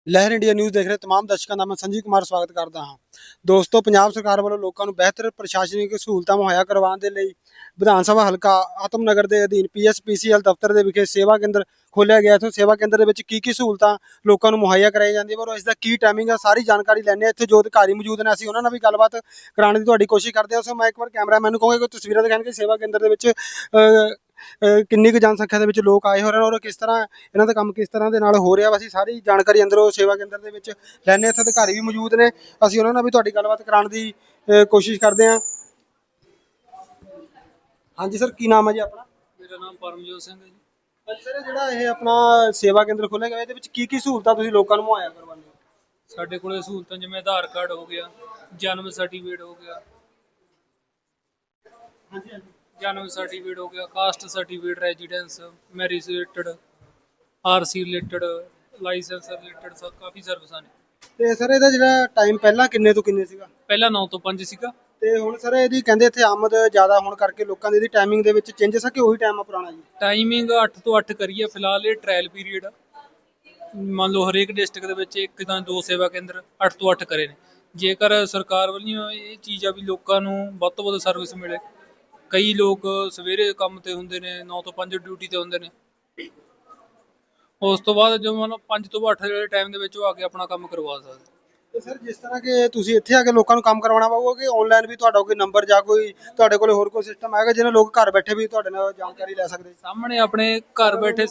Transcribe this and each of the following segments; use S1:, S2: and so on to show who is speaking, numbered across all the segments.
S1: ਲਹਿਰ India news ਦੇਖ ਰਹੇ ਤਮਾਮ ਦਰਸ਼ਕਾਂ ਦਾ ਮੈਂ ਸੰਜੀਵ ਕੁਮਾਰ ਸਵਾਗਤ ਕਰਦਾ ਹਾਂ। ਦੋਸਤੋ, ਪੰਜਾਬ ਸਰਕਾਰ ਵੱਲੋਂ ਲੋਕਾਂ ਨੂੰ ਬਿਹਤਰ ਪ੍ਰਸ਼ਾਸਨਿਕ ਸਹੂਲਤਾਂ ਮੁਹੱਈਆ ਕਰਵਾਉਣ ਦੇ ਲਈ ਵਿਧਾਨ ਸਭਾ ਹਲਕਾ ਆਤਮਨਗਰ ਦੇ ਅਧੀਨ ਪੀਐਸਪੀਸੀਐਲ ਦਫ਼ਤਰ ਦੇ ਵਿਖੇ ਸੇਵਾ ਕੇਂਦਰ ਖੋਲ੍ਹਿਆ ਗਿਆ। ਇੱਥੇ ਸੇਵਾ ਕੇਂਦਰ ਦੇ ਵਿੱਚ ਕੀ ਸਹੂਲਤਾਂ ਲੋਕਾਂ ਨੂੰ ਮੁਹੱਈਆ ਕਰਾਈਆਂ ਜਾਂਦੀਆਂ ਔਰ ਇਸ ਦਾ ਕੀ ਟਾਈਮਿੰਗ ਹੈ, ਸਾਰੀ ਜਾਣਕਾਰੀ ਲੈਂਦੇ ਹਾਂ। ਇੱਥੇ ਜੋ ਅਧਿਕਾਰੀ ਮੌਜੂਦ ਨੇ ਅਸੀਂ ਉਹਨਾਂ ਨਾਲ ਵੀ ਗੱਲਬਾਤ ਕਰਾਉਣ ਦੀ ਤੁਹਾਡੀ ਕੋਸ਼ਿਸ਼ ਕਰਦੇ ਹਾਂ। ਸੋ ਮੈਂ ਇੱਕ ਵਾਰ ਕੈਮਰਾਮੈਨ ਨੂੰ ਕਹਾਂਗਾ ਕਿ ਤਸਵੀਰਾਂ ਦਿਖਾਉਣ ਕਿ ਸੇਵਾ ਕੇਂਦਰ ਦੇ ਵਿੱਚ ਕਿੰਨੀ ਕੁ ਜਨਸੰਖਿਆ ਦੇ ਵਿੱਚ ਲੋਕ ਆਏ ਹੋ ਰਹੇ ਨੇ ਔਰ ਕਿਸ ਤਰ੍ਹਾਂ ਇਹਨਾਂ ਦਾ ਕੰਮ ਕਿਸ ਤਰ੍ਹਾਂ ਦੇ ਨਾਲ ਹੋ ਰਿਹਾ ਵਾ। ਅਸੀਂ ਸਾਰੀ ਜਾਣਕਾਰੀ ਅੰਦਰੋਂ ਸੇਵਾ ਕੇਂਦਰ ਦੇ ਵਿੱਚ ਲੈਣੇ। ਇੱਥੇ ਅਧਿਕਾਰੀ ਵੀ ਮੌਜੂਦ ਨੇ, ਅਸੀਂ ਉਹਨਾਂ ਨਾਲ ਵੀ ਤੁਹਾਡੀ ਗੱਲਬਾਤ ਕਰਾਉਣ ਦੀ ਕੋਸ਼ਿਸ਼ ਕਰਦੇ ਹਾਂ। ਹਾਂਜੀ ਸਰ, ਕੀ ਨਾਮ ਹੈ ਜੀ ਆਪਣਾ?
S2: ਮੇਰਾ ਨਾਮ ਪਰਮਜੋਤ ਸਿੰਘ ਹੈ ਜੀ।
S1: ਸਰ, ਜਿਹੜਾ ਇਹ ਆਪਣਾ ਸੇਵਾ ਕੇਂਦਰ ਖੋਲ੍ਹਿਆ ਗਿਆ ਇਹਦੇ ਵਿੱਚ ਕੀ ਸਹੂਲਤਾਂ ਤੁਸੀਂ ਲੋਕਾਂ ਨੂੰ ਮੁਹੱਈਆ ਕਰਵਾਉਂਦੇ ਹੋ?
S2: ਸਾਡੇ ਕੋਲੇ ਸਹੂਲਤਾਂ ਜਿਵੇਂ ਆਧਾਰ ਕਾਰਡ ਹੋ ਗਿਆ, ਜਨਮ ਸਰਟੀਫਿਕੇਟ ਹੋ ਗਿਆ,
S1: ਹਾਂਜੀ ਹਾਂਜੀ,
S2: ਜਨਮ ਸਰਟੀਫਿਕੇਟ ਹੋ ਗਿਆ, caste certificate, residence, marriage related, RC related, licence related, ਸਭ ਕਾਫੀ ਸਰਵਿਸਾਂ ਨੇ।
S1: ਤੇ ਸਰ ਇਹਦਾ ਜਿਹੜਾ ਟਾਈਮ ਪਹਿਲਾਂ ਕਿੰਨੇ ਤੋਂ ਕਿੰਨੇ ਸੀਗਾ?
S2: ਪਹਿਲਾਂ 9 ਤੋਂ 5 ਸੀਗਾ।
S1: ਤੇ ਹੁਣ ਸਰ ਇਹਦੀ ਕਹਿੰਦੇ ਇੱਥੇ ਆਮਦ ਜ਼ਿਆਦਾ ਹੋਣ ਕਰਕੇ ਲੋਕਾਂ ਦੀ ਇਹਦੀ ਟਾਈਮਿੰਗ ਦੇ ਵਿੱਚ ਚੇਂਜਸ ਆ ਕਿ ਉਹੀ ਟਾਈਮ ਆ ਪੁਰਾਣਾ ਜੀ?
S2: ਟਾਈਮਿੰਗ 8 ਤੋਂ 8 ਕਰੀਏ ਫਿਲਹਾਲ। ਇਹ ਟ੍ਰਾਇਲ ਪੀਰੀਅਡ ਆ। ਮੰਨ ਲਓ ਹਰੇਕ ਡਿਸਟ੍ਰਿਕਟ ਦੇ ਵਿੱਚ ਇੱਕ ਜਾਂ 2 ਸੇਵਾ ਕੇਂਦਰ 8 ਤੋਂ 8 ਕਰੇ ਨੇ। ਜੇਕਰ ਸਰਕਾਰ ਵੱਲੋਂ ਇਹ ਚੀਜ਼ ਆ ਵੀ ਲੋਕਾਂ ਨੂੰ ਵੱਧ ਤੋਂ ਵੱਧ ਸਰਵਿਸ ਮਿਲੇ। ਕਈ ਲੋਕ ਸਵੇਰੇ ਕੰਮ ਤੇ ਹੁੰਦੇ ਨੇ, 9 ਤੋਂ 5 ਡਿਊਟੀ ਤੇ ਹੁੰਦੇ ਨੇ। ਉਸ ਤੋਂ ਬਾਅਦ ਜੋ ਮੰਨ ਲਓ 5 ਤੋਂ 8 ਦੇ ਟਾਈਮ ਦੇ ਵਿੱਚ ਉਹ ਆ ਕੇ ਆਪਣਾ ਕੰਮ ਕਰਵਾ ਸਕਦੇ।
S1: ਤੇ ਸਰ, ਜਿਸ ਤਰ੍ਹਾਂ ਕਿ ਤੁਸੀਂ ਇੱਥੇ ਆ ਕੇ ਲੋਕਾਂ ਨੂੰ ਕੰਮ ਕਰਵਾਉਣਾ ਪਊਗਾ ਕਿ ਆਨਲਾਈਨ ਵੀ ਤੁਹਾਡਾ ਕੋਈ ਨੰਬਰ ਜਾਂ ਕੋਈ ਤੁਹਾਡੇ ਕੋਲ ਹੋਰ ਕੋਈ ਸਿਸਟਮ ਹੈਗਾ ਜਿਹਨਾਂ ਲੋਕ ਘਰ ਬੈਠੇ ਵੀ ਤੁਹਾਡੇ ਨਾਲ ਜਾਣਕਾਰੀ ਲੈ ਸਕਦੇ?
S2: ਸਾਹਮਣੇ ਆਪਣੇ ਘਰ ਬੈਠੇ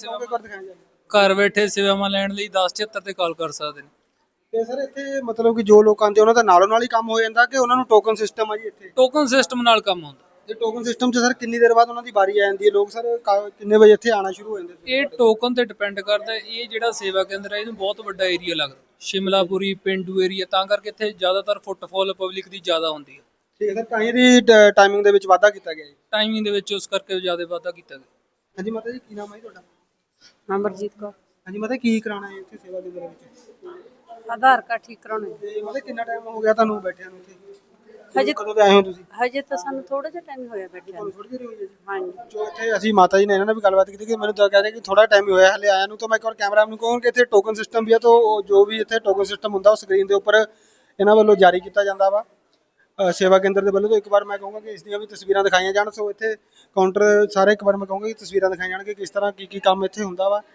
S2: ਸੇਵਾਵਾਂ ਲੈਣ ਲਈ 1076 ਤੇ ਕਾਲ ਕਰ ਸਕਦੇ ਨੇ।
S1: ਤੇ ਸਰ, ਇੱਥੇ ਮਤਲਬ ਕਿ ਜੋ ਲੋਕ ਆਉਂਦੇ ਉਹਨਾਂ ਦਾ ਨਾਲੋਂ ਨਾਲ ਹੀ ਕੰਮ ਹੋ ਜਾਂਦਾ ਕਿ ਉਹਨਾਂ ਨੂੰ ਟੋਕਨ ਸਿਸਟਮ ਆ ਜੀ ਇੱਥੇ?
S2: ਟੋਕਨ ਸਿਸਟਮ ਨਾਲ ਕੰਮ ਹੁੰਦਾ।
S1: ਤੇ ਟੋਕਨ ਸਿਸਟਮ 'ਚ ਸਰ ਕਿੰਨੀ ਦੇਰ ਬਾਅਦ ਉਹਨਾਂ ਦੀ ਵਾਰੀ ਆ ਜਾਂਦੀ ਹੈ? ਲੋਕ ਸਰ ਕਿੰਨੇ ਵਜੇ ਇੱਥੇ ਆਉਣਾ ਸ਼ੁਰੂ ਹੋ ਜਾਂਦੇ?
S2: ਇਹ ਟੋਕਨ ਤੇ ਡਿਪੈਂਡ ਕਰਦਾ। ਇਹ ਜਿਹੜਾ ਸੇਵਾ ਕੇਂਦਰ ਹੈ ਇਹਨੂੰ ਬਹੁਤ ਵੱਡਾ ਏਰੀਆ ਲੱਗਦਾ, ਸ਼ਿਮਲਾਪੁਰੀ ਪੇਂਡੂ ਏਰੀਆ, ਤਾਂ ਕਰਕੇ ਇੱਥੇ ਜ਼ਿਆਦਾਤਰ ਫੁੱਟਫਾਲ ਪਬਲਿਕ ਦੀ ਜ਼ਿਆਦਾ ਹੁੰਦੀ ਹੈ।
S1: ਠੀਕ ਹੈ ਸਰ, ਤਾਂ ਇਹਦੀ ਟਾਈਮਿੰਗ ਦੇ ਵਿੱਚ ਵਾਧਾ ਕੀਤਾ ਗਿਆ ਜੀ?
S2: ਟਾਈਮਿੰਗ ਦੇ ਵਿੱਚ ਉਸ ਕਰਕੇ ਜ਼ਿਆਦਾ ਵਾਧਾ ਕੀਤਾ ਗਿਆ।
S1: ਹਾਂਜੀ ਮਾਤਾ ਜੀ, ਕੀ ਨਾਮ ਹੈ ਜੀ ਤੁਹਾਡਾ?
S3: ਅਮਰਜੀਤ ਕੌਰ।
S1: ਹਾਂਜੀ ਮਾਤਾ, ਕੀ ਕਰਾਉਣਾ ਹੈ ਇੱਥੇ ਸੇਵਾ ਕੇਂਦਰ ਵਿੱਚ?
S3: ਆਧਾਰ ਕਾਰਡ ਠੀਕ ਕਰਾਉਣਾ ਹੈ।
S1: ਤੇ ਮਾਤਾ ਕਿੰਨਾ ਟਾਈਮ ਹੋ ਗਿਆ ਤੁਹਾਨੂੰ ਬੈਠਿਆਂ ਨੂੰ ਇੱਥੇ?
S3: ਹਜੇ
S1: ਕਦੋਂ ਦੇ ਆਏ ਹੋ ਤੁਸੀਂ?
S3: ਹਜੇ ਤਾਂ ਸਾਨੂੰ ਥੋੜਾ ਜਿਹਾ ਟਾਈਮ ਹੋਇਆ ਬੈਠਿਆ ਨੂੰ।
S1: ਥੋੜੀ ਦੇਰ ਹੋਈ ਹੈ ਜੀ?
S3: ਹਾਂਜੀ।
S1: ਜੋ ਇੱਥੇ ਅਸੀਂ ਮਾਤਾ ਜੀ ਨੇ ਇਹਨਾਂ ਨਾਲ ਵੀ ਗੱਲਬਾਤ ਕੀਤੀ ਕਿ ਮੈਨੂੰ ਤਾਂ ਕਹਿ ਰਹੇ ਕਿ ਥੋੜਾ ਟਾਈਮ ਹੀ ਹੋਇਆ ਹਲੇ ਆਇਆ ਨੂੰ। ਤਾਂ ਮੈਂ ਇੱਕ ਵਾਰ ਕੈਮਰਾ ਨੂੰ ਕਹੂੰ ਕਿ ਇੱਥੇ ਟੋਕਨ ਸਿਸਟਮ ਵੀ ਹੈ, ਤਾਂ ਜੋ ਵੀ ਇੱਥੇ ਟੋਕਨ ਸਿਸਟਮ ਹੁੰਦਾ ਉਹ ਸਕਰੀਨ ਦੇ ਉੱਪਰ ਇਹਨਾਂ ਵੱਲੋਂ ਜਾਰੀ ਕੀਤਾ ਜਾਂਦਾ ਵਾ ਸੇਵਾ ਕੇਂਦਰ ਦੇ ਵੱਲੋਂ। ਤਾਂ ਇੱਕ ਵਾਰ ਮੈਂ ਕਹੂੰਗਾ ਕਿ ਇਸ ਦੀਆਂ ਵੀ ਤਸਵੀਰਾਂ ਦਿਖਾਈਆਂ ਜਾਣ। ਸੋ ਇੱਥੇ ਕਾਊਂਟਰ ਸਾਰੇ ਇੱਕ ਵਾਰ ਮੈਂ ਕਹੂੰਗਾ ਕਿ ਤਸਵੀਰਾਂ ਦਿਖਾਈਆਂ ਜਾਣ ਕਿ ਕਿਸ ਤਰ੍ਹਾਂ ਕੀ ਕੰਮ ਇੱਥੇ ਹੁੰਦਾ ਵਾ।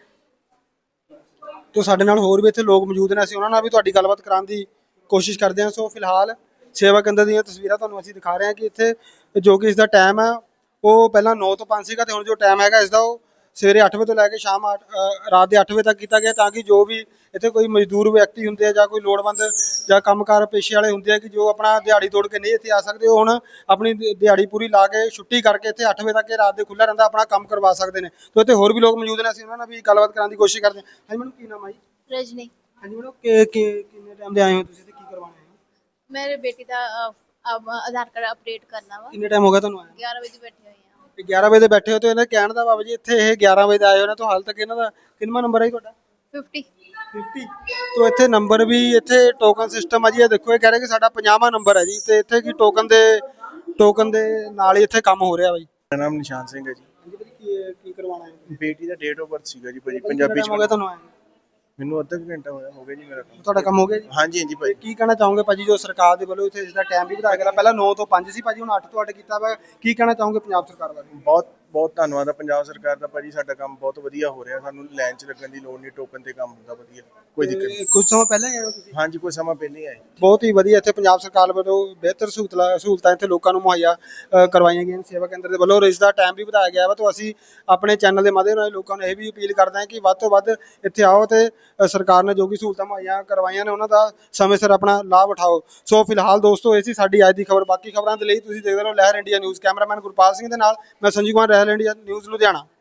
S1: तो साडे नाल होर भी इत्थे लोग मौजूद ने, असीं उन्हां नाल भी तुहाडी गलबात कराउण दी कोशिश करदे हां। सो फिलहाल सेवा केंद्र दीयां तस्वीरां तुहानूं असीं दिखा रहे हां कि इत्थे जो कि इसदा टाइम है वो पहलां 9 तो 5 सीगा ते हुण जो टाइम हैगा इसदा वो सवेरे 8 बजे तो लैके शाम रात के 8 बजे तक किया गया, ताकि जो भी इत्थे कोई मजदूर व्यक्ति हुंदे आ जां कोई लोड़वंद जां कंमकार पेशे वाले हुंदे आ कि जो अपना दिहाड़ी तोड़ के नहीं इत्थे आ सकदे, हुण अपनी दिहाड़ी पूरी ला के छुट्टी करके इत्थे 8 बजे तक रात दे खुला रहिंदा अपना काम करवा सकदे ने। तो इत्थे होर भी लोग मौजूद ने, असीं उन्हां नाल भी गलबात कराउण दी कोशिश करदे हां। हां मैडम, की नाम है जी?
S4: रजनी।
S1: हाँ जी मैडम, किन्ने टाइम दे आए हो तुसीं ते की करवाना है?
S4: मेरे बेटी का अब आधार कार्ड अपडेट करना वा।
S1: किन्ने टाइम हो गया तुहानूं आए?
S4: 11 बजे बैठी हुई हां।
S1: 11 बजे बैठे हो तो इन्हें कहण दा बाबा जी इत्थे ये 11 बजे आए हो ना, तो हाल तक इन्हां दा किन्ना नंबर है जी तुहाडा?
S4: 50।
S1: तो इत्थे नंबर भी इत्थे टोकन सिस्टम है जी। ये देखो, ये कह रहे कि साडा 50वां नंबर है जी, ते इत्थे की टोकन दे नाल ही इत्थे काम हो रहा भाई।
S5: मेरा नाम निशान सिंह है जी।
S1: की करवाना है?
S5: बेटी का डेट ऑफ बर्थ सीगा जी भाजी, पंजाबी
S1: हो गया तुहानूं आए?
S5: ਮੈਨੂੰ ਅੱਧਾ ਘੰਟਾ ਹੋਇਆ ਹੋ ਗਿਆ ਜੀ ਮੇਰਾ ਕੰਮ।
S1: ਤੁਹਾਡਾ ਕੰਮ ਹੋ ਗਿਆ ਜੀ?
S5: ਹਾਂਜੀ ਹਾਂਜੀ ਭਾਜੀ।
S1: ਕੀ ਕਹਿਣਾ ਚਾਹੋਗੇ ਭਾਜੀ, ਜੋ ਸਰਕਾਰ ਦੇ ਵੱਲੋਂ ਇੱਥੇ ਇਸ ਦਾ ਟਾਈਮ ਵੀ ਵਧਾਇਆ ਗਿਆ, ਪਹਿਲਾਂ 9 ਤੋਂ 5 ਸੀ ਭਾਜੀ, ਹੁਣ 8 ਤੋਂ 8 ਕੀਤਾ ਵਾ, ਕੀ ਕਹਿਣਾ ਚਾਹੋਗੇ ਪੰਜਾਬ ਸਰਕਾਰ ਬਾਰੇ?
S5: ਬਹੁਤ ਬਹੁਤ ਧੰਨਵਾਦ ਆ ਪੰਜਾਬ ਸਰਕਾਰ ਦਾ ਭਾਜੀ, ਸਾਡਾ ਕੰਮ ਬਹੁਤ ਵਧੀਆ ਹੋ ਰਿਹਾ, ਸਾਨੂੰ ਲਾਈਨ 'ਚ ਲੱਗਣ ਦੀ ਲੋੜ ਨਹੀਂ, ਟੋਕਨ ਤੇ ਕੰਮ ਹੁੰਦਾ ਵਧੀਆ, ਕੋਈ ਦਿੱਕਤ ਨਹੀਂ।
S1: ਕੁਝ ਸਮਾਂ ਪਹਿਲਾਂ ਹੀ ਆਏ ਹੋ ਤੁਸੀਂ?
S5: ਹਾਂਜੀ, ਕੋਈ ਸਮਾਂ ਪਹਿਲਾਂ ਹੀ ਆਏ।
S1: ਬਹੁਤ ਹੀ ਵਧੀਆ ਇੱਥੇ ਪੰਜਾਬ ਸਰਕਾਰ ਵੱਲੋਂ ਬਿਹਤਰ ਸਹੂਲਤਾਂ ਇੱਥੇ ਲੋਕਾਂ ਨੂੰ ਮੁਹੱਈਆ ਕਰਵਾਈਆਂ ਗਈਆਂ ਸੇਵਾ ਕੇਂਦਰ ਦੇ ਵੱਲੋਂ, ਔਰ ਇਸ ਦਾ ਟਾਈਮ ਵੀ ਵਧਾਇਆ ਗਿਆ ਵਾ। ਤਾਂ ਅਸੀਂ ਆਪਣੇ ਚੈਨਲ ਦੇ ਮਾਧਿਅਮ ਨਾਲ ਲੋਕਾਂ ਨੂੰ ਇਹ ਵੀ ਅਪੀਲ ਕਰਦੇ ਹਾਂ ਕਿ ਵੱਧ ਤੋਂ ਵੱਧ ਇੱਥੇ ਆਓ ਤੇ ਸਰਕਾਰ ਨੇ ਜੋ ਵੀ ਸਹੂਲਤਾਂ ਮੁਹੱਈਆ ਕਰਵਾਈਆਂ ਨੇ ਉਹਨਾਂ ਦਾ ਸਮੇਂ ਸਿਰ ਆਪਣਾ ਲਾਭ ਉਠਾਓ। ਸੋ ਫਿਲਹਾਲ ਦੋਸਤੋ, ਇਹ ਸੀ ਸਾਡੀ ਅੱਜ ਦੀ ਖਬਰ। ਬਾਕੀ ਖਬਰਾਂ ਦੇ ਲਈ ਤੁਸੀਂ ਦੇਖਦੇ ਰਹੋ Lehar India news. Cameraman Gurpal Singh ਦੇ ਨਾਲ ਮੈਂ ਸੰਜੀਵ ਕੁਮਾਰ, ਲਹਿਰ ਇੰਡੀਆ ਨਿਊਜ਼ ਲੁਧਿਆਣਾ।